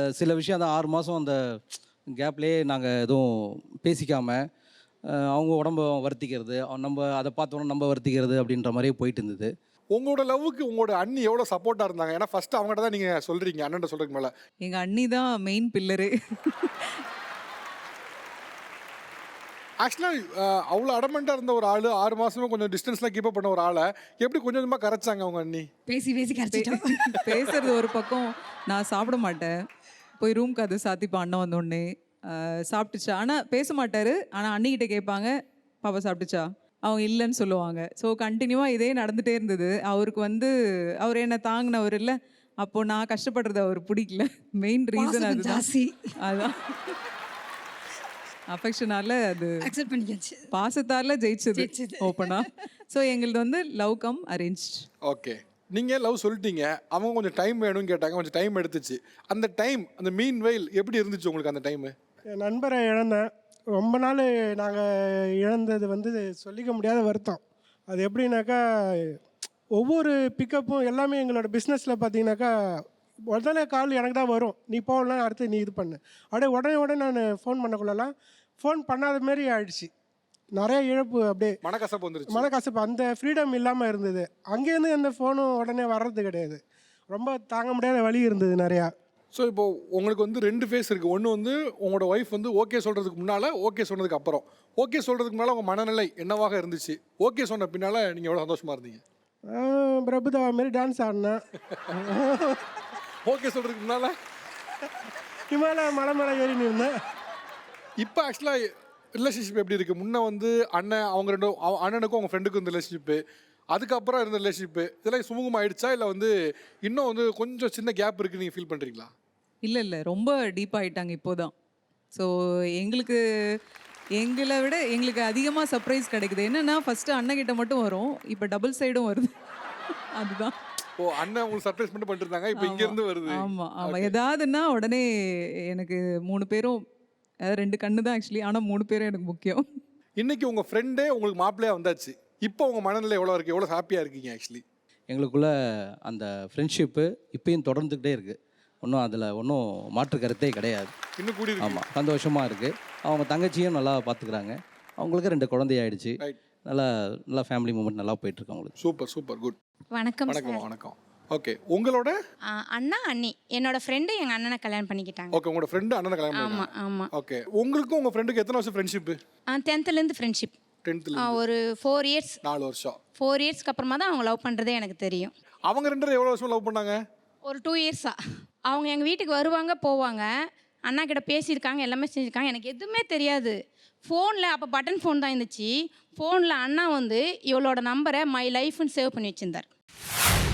சில விஷயம் அந்த 6 மாதம் அந்த கேப்லேயே நாங்கள் எதுவும் பேசிக்காமல் அவங்க உடம்ப வருத்திக்கிறது, நம்ம அதை பார்த்தோன்னா நம்ம வருத்திக்கிறது அப்படின்ற மாதிரியே போயிட்டு இருந்தது. உங்களோட லவ்வுக்கு உங்களோட அண்ணி எவ்வளோ சப்போர்ட்டாக இருந்தாங்க? ஏன்னா ஃபர்ஸ்ட் அவங்ககிட்ட தான் நீங்கள் சொல்கிறீங்க, அண்ணன் சொல்கிறதுக்கு மேலே. எங்கள் அண்ணி தான் மெயின் பில்லரு. ஆக்சுவலாக அவ்வளோ அடமெண்ட்டாக இருந்த ஒரு ஆள் 6 மாதமே கொஞ்சம் டிஸ்டன்ஸ்லாம் கீப் பண்ண ஒரு ஆளை எப்படி கொஞ்சம் கொஞ்சமாக கரைச்சாங்க அவங்க அண்ணி? பேசி பேசி கரைச்சிட்டோம். பேசுறது ஒரு பக்கம், நான் சாப்பிட மாட்டேன், போய் ரூம் கதை சாத்திப்பேன் அண்ணன் வந்தோடனே. சாப்பிட்டுச்சா, ஆனால் பேச மாட்டார், ஆனால் அண்ணிக்கிட்ட கேட்பாங்க பாப்பா சாப்பிட்டுச்சா, அவங்க இல்லைன்னு சொல்லுவாங்க. ஸோ கண்டினியூவாக இதே நடந்துகிட்டே இருந்தது. அவருக்கு வந்து அவர் என்ன தாங்கினவர் இல்லை, அப்போது நான் கஷ்டப்படுறது அவர் பிடிக்கல. மெயின் ரீசன் அதுதான். அதான் அஃபெக்ஷனால அது அக்செப்ட் பண்ணியாச்சு. பாசத்தால ஜெயிச்சது ஓப்பனா. ஸோ எங்களது வந்து லவ் கம் அரேஞ்ச். ஓகே, நீங்கள் லவ் சொல்லிட்டீங்க, அவங்க கொஞ்சம் டைம் வேணும்னு கேட்டாங்க, கொஞ்சம் டைம் எடுத்துச்சு. அந்த டைம், அந்த மீன் வெயில் எப்படி இருந்துச்சு உங்களுக்கு அந்த டைமு? என் நண்பரை இழந்தேன். ரொம்ப நாள் நாங்கள் இழந்தது வந்து சொல்லிக்க முடியாத வருத்தம். அது எப்படின்னாக்கா, ஒவ்வொரு பிக்கப்பும் எல்லாமே எங்களோட பிஸ்னஸில் பார்த்தீங்கன்னாக்கா உடனே கால் எனக்கு தான் வரும், நீ போகலாம் அடுத்து நீ இது பண்ணு. அப்படியே உடனே நான் ஃபோன் பண்ணக்குள்ளலாம் ஃபோன் பண்ணாத மாரி ஆயிடுச்சு. நிறைய இழப்பு, அப்படியே மனக்கசப்பு வந்துருச்சு. மனக்கசப்பு, அந்த ஃப்ரீடம் இல்லாமல் இருந்தது. அங்கேருந்து எந்த ஃபோனும் உடனே வர்றது கிடையாது. ரொம்ப தாங்க முடியாத வலி இருந்தது நிறையா. ஸோ இப்போ உங்களுக்கு வந்து 2 ஃபேஸ் இருக்குது. ஒன்று வந்து உங்களோட ஒய்ஃப் வந்து ஓகே சொல்கிறதுக்கு முன்னால், ஓகே சொன்னதுக்கு அப்புறம். ஓகே சொல்கிறதுக்கு முன்னால் உங்கள் மனநிலை என்னவாக இருந்துச்சு? ஓகே சொன்ன பின்னால் நீங்கள் எவ்வளோ சந்தோஷமாக இருந்தீங்க? பிரபுதேவா மாரி டான்ஸ் ஆடினேன். ஓகே சொல்கிறதுக்கு முன்னால் இமாலய மலை மேலே ஏறி நின்றேன். இப்போ ஆக்சுவலாக ரிலேஷன்ஷிப் எப்படி இருக்குது? முன்னே வந்து அண்ணன் அவங்க அண்ணனுக்கும் அவங்க ஃப்ரெண்டுக்கும் இந்த ரிலேஷன்ஷிப்பு, அதுக்கப்புறம் இருந்த ரிலேஷன்ஷிப்பு, இதெல்லாம் சுமூகமாக ஆயிடுச்சா, இல்லை வந்து இன்னும் வந்து கொஞ்சம் சின்ன கேப் இருக்குது நீங்கள் ஃபீல் பண்ணுறீங்களா? இல்லை ரொம்ப டீப்பாகிட்டாங்க இப்போதான். ஸோ எங்களை விட எங்களுக்கு அதிகமாக சர்ப்ரைஸ் கிடைக்குது. என்னென்னா ஃபஸ்ட்டு அண்ணன்கிட்ட மட்டும் வரும், இப்போ டபுள் சைடும் வருது. அதுதான். ஓ, அண்ணன் உங்களுக்கு சர்ப்ரைஸ் மட்டும் பண்ணிருந்தாங்க, இப்போ இங்கேருந்து வருது. ஆமாம் எதாவதுன்னா உடனே எனக்கு 3 பேரும், அதாவது 2 கண்ணு தான் ஆக்சுவலி, ஆனால் 3 பேரும் எனக்கு முக்கியம். இன்னைக்கு உங்கள் ஃப்ரெண்டே உங்களுக்கு மாப்பிள்ளையாக வந்தாச்சு, இப்போ உங்கள் மனநிலை எவ்வளோ இருக்குது, எவ்வளோ ஹாப்பியாக இருக்கீங்க? ஆக்சுவலி எங்களுக்குள்ள அந்த ஃப்ரெண்ட்ஷிப்பு இப்பயும் தொடர்ந்துக்கிட்டே இருக்குது. அதில் ஒன்றும் மாற்று கருத்தே கிடையாது. இன்னும் கூடி ஆமாம், சந்தோஷமாக இருக்குது. அவங்க தங்கச்சியும் நல்லா பார்த்துக்கிறாங்க. அவங்களுக்கு 2 குழந்தையாயிடுச்சு. நல்லா ஃபேமிலி மூமெண்ட் நல்லா போயிட்டுருக்கு அவங்களுக்கு. Super good. வணக்கம். வணக்கம். ஓகே, உங்களோட அண்ணா அண்ணி என்னோட ஃப்ரெண்டு எங்கள் அண்ணனை கல்யாணம் பண்ணிக்கிட்டாங்க. ஓகே, உங்களோட ஃப்ரெண்டு அண்ணனை கல்யாணம் பண்ணிட்டாங்க. ஆமாம். ஓகே, உங்களுக்கும் உங்கள் ஃப்ரெண்டுக்கு எத்தனை வருஷம் ஃப்ரெண்ட்ஷிப்பு? 10th friendship. 10th ஒரு 4 இயர்ஸ். 4 வருஷம். 4 இயர்ஸ்க்கு அப்புறமா தான் அவங்க லவ் பண்ணுறதே எனக்கு தெரியும். அவங்க 2 பேரும் எவ்வளோ வருஷம் லவ் பண்ணாங்க? ஒரு 2 இயர்ஸா. அவங்க எங்கள் வீட்டுக்கு வருவாங்க போவாங்க, அண்ணா கிட்ட பேசியிருக்காங்க, எல்லாமே செஞ்சுருக்காங்க, எனக்கு எதுவுமே தெரியாது. ஃபோனில் அப்போ பட்டன் ஃபோன் தான் இருந்துச்சு. ஃபோனில் அண்ணா வந்து இவளோட நம்பரை மை லைஃப்னு சேவ் பண்ணி வச்சுருந்தார்.